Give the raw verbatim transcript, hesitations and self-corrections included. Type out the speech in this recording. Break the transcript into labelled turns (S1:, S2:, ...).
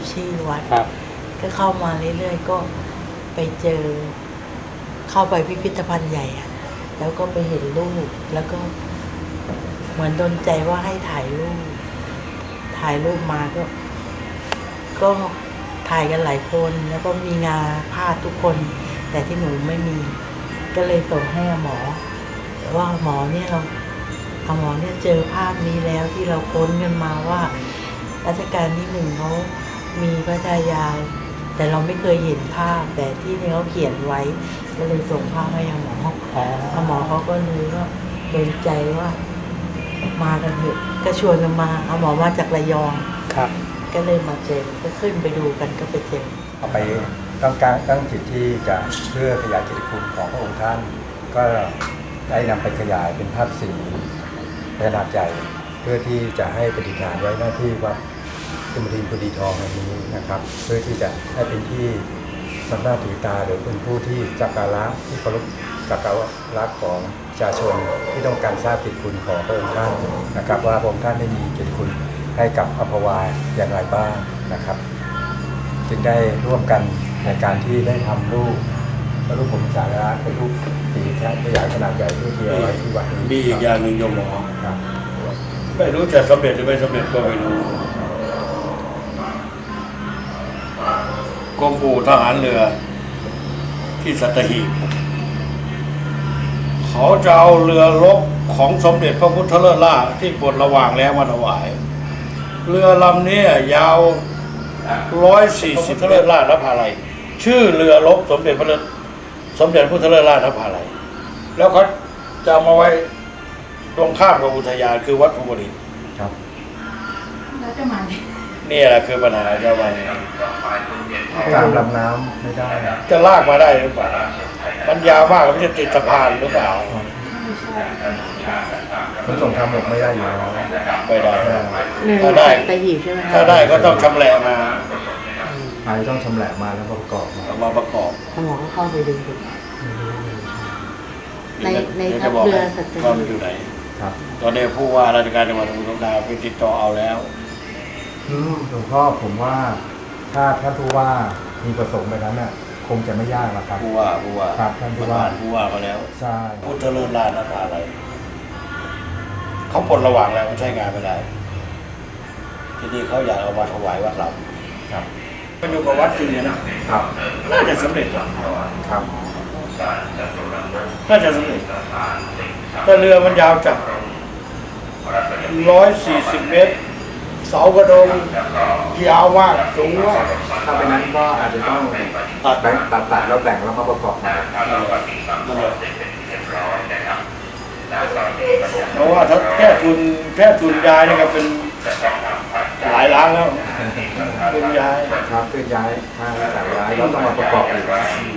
S1: ชื่อวัด
S2: ครับ
S1: ก็เข้ามาเรื่อยๆก็ไปเจอเข้าไปพิพิธภัณฑ์ใหญ่อะแล้วก็ไปเห็นรูปแล้วก็เหมือนโดนใจว่าให้ถ่ายรูปถ่ายรูปมาก็ ก็ถ่ายกันหลายคนแล้วก็มีงาพาดทุกคน แต่ที่หนูไม่มี ก็เลยส่งให้หมอว่าหมอเนี่ยเราหมอเนี่ยเจอภาพนี้แล้วที่เราค้นกันมาว่ารัชกาลที่หนึ่งเขามีพระชายาแต่เราไม่เคยเห็นภาพ แต่ที่นี่เขาเขียนไว้ก็เลยส่งภาพให้หมอหมอเขาก็เลยก็โดนใจว่ามากันเถอะก็ชวนกันมาเอาหมอมาจากระยอง
S2: ครับ
S1: ก็เลยมาเจอก็ขึ้นไปดูกันก็ไปเจอ
S3: เอาไปตั้งการตั้งจิตที่จะเพื่อขยายกิตติคุณของพระองค์ท่าน ก็ได้นำไปขยายเป็นภาพสีขนาดใหญ่เพื่อที่จะให้ปฏิฐานไว้หน้าที่วัดสมรินทร์กุดีทองแห่งนี้นะครับ เพื่อที่จะให้เป็นที่สำนักถือตาหรือเป็นผู้ที่สักการะที่เคารพสักการะของประชาชนที่ต้องการทราบกิตติคุณของพระองค์ท่านนะครับ ว่าพระองค์ท่านได้มีกิตติคุณให้กับอัมพวาอย่างไรบ้างนะครับ จึงได้ร่วมกันในการที่ได้ทำรูปพระรูปผมสาระเป็นรูปสีแท้ขยายขนาดใหญ่เพื่อที่เอาไว้ที่วัดนี้
S4: มีอีกอย่างหนึ่งโยมหมอ
S3: ครับ
S4: ไม่รู้จะสำเร็จหรือไม่สำเร็จก็ไม่รู้กรมอู่ทหารเรือที่สัตหีบเขาจะเอาเรือรบของสมเด็จพระพุทธเลิศล่าที่ปลดระวางแล้วมาถวาย เรือลำนี้ยาวร้อยสี่สิบเลิศล่านภาลัยชื่อเรือรบสมเด็จพระสมเด็จพุทธเลิศล่านภาลัยแล้วเขาจะมาไว้ตรงข้ามกับอุทยานคือวัดภูมิรินทร์
S3: ครับ
S5: แล้วจะมาเนี่ย
S4: นี่แหละคือปัญหาเจ้าวัน
S3: ตามลำน้ำไม่ได้
S4: จะลากมาได้หรือเปล่ามันยาวมากมันจะติดสะพานหรือเปล่า
S3: ขนส่งทางบกไม่ได้อยู่แล้ว
S4: ไม่ได้
S1: หนึ่ง
S4: ถ้าได้
S1: ตะหีบใช่ไหมคะ
S4: ถ้าได้ก็ต้องชำแหละมา
S3: ไทยต้องชำแหละมาแล้วประกอบมา
S4: เอามาประกอบ
S1: หมอก็เข้าไปดูดู ในใน
S4: ดี๋ยว
S1: ทั
S4: จะ
S1: พ
S4: บอก
S1: เรือ
S4: ให้
S1: สัตหีบ
S4: ว่ามันอยู่ไหน
S3: ครับ
S4: ตอนนี้ผู้ว่าราชการจังหวัดสมุทรสงครามไปติดต่อเอาแล้ว
S3: อืมหลวงพ่อผมว่าถ้าท่านผู้ว่ามีประสงค์แบบนั้นน่ะคงจะไม่ยากหรอกครับ
S4: ผู้ว่าผู้ว่า
S3: ครับท่านผู้
S4: ประ
S3: ว่า
S4: ธานผู้ว่าเขาแล้ว
S3: ใช่
S4: พุทธเลิศล่านภาลัยเขาปลดระหว่างแล้วมันใช้งานไม่ได้ ที่นี่เขาอยากเอามาถวายวัดเรา
S3: ครับ
S4: มันอยู่กับวัดจริงเนี่ยนะครับ น่าจะสำเร็จว่ะ
S3: ครับ
S4: น่าจะสำเร็จแต่เรือมันยาวจากร้อยสี่สิบเมตร เสากระโดงยาวมากสูงมาก
S3: ถ้าเป็นนั้นก็อาจจะต้อง
S4: ตัด
S3: แบ่งตัดตัดแล้วแบ่งแล้วมาประกอบใหม่
S4: เพราะว่าถ้าแค่ทุนแค่ทุนยายนี่ก็เป็นหลายล้านแล้วทุนยาย
S3: ครับเคลื่อนย้ายทางสายย้ายแล้วต้องมาประกอบอีก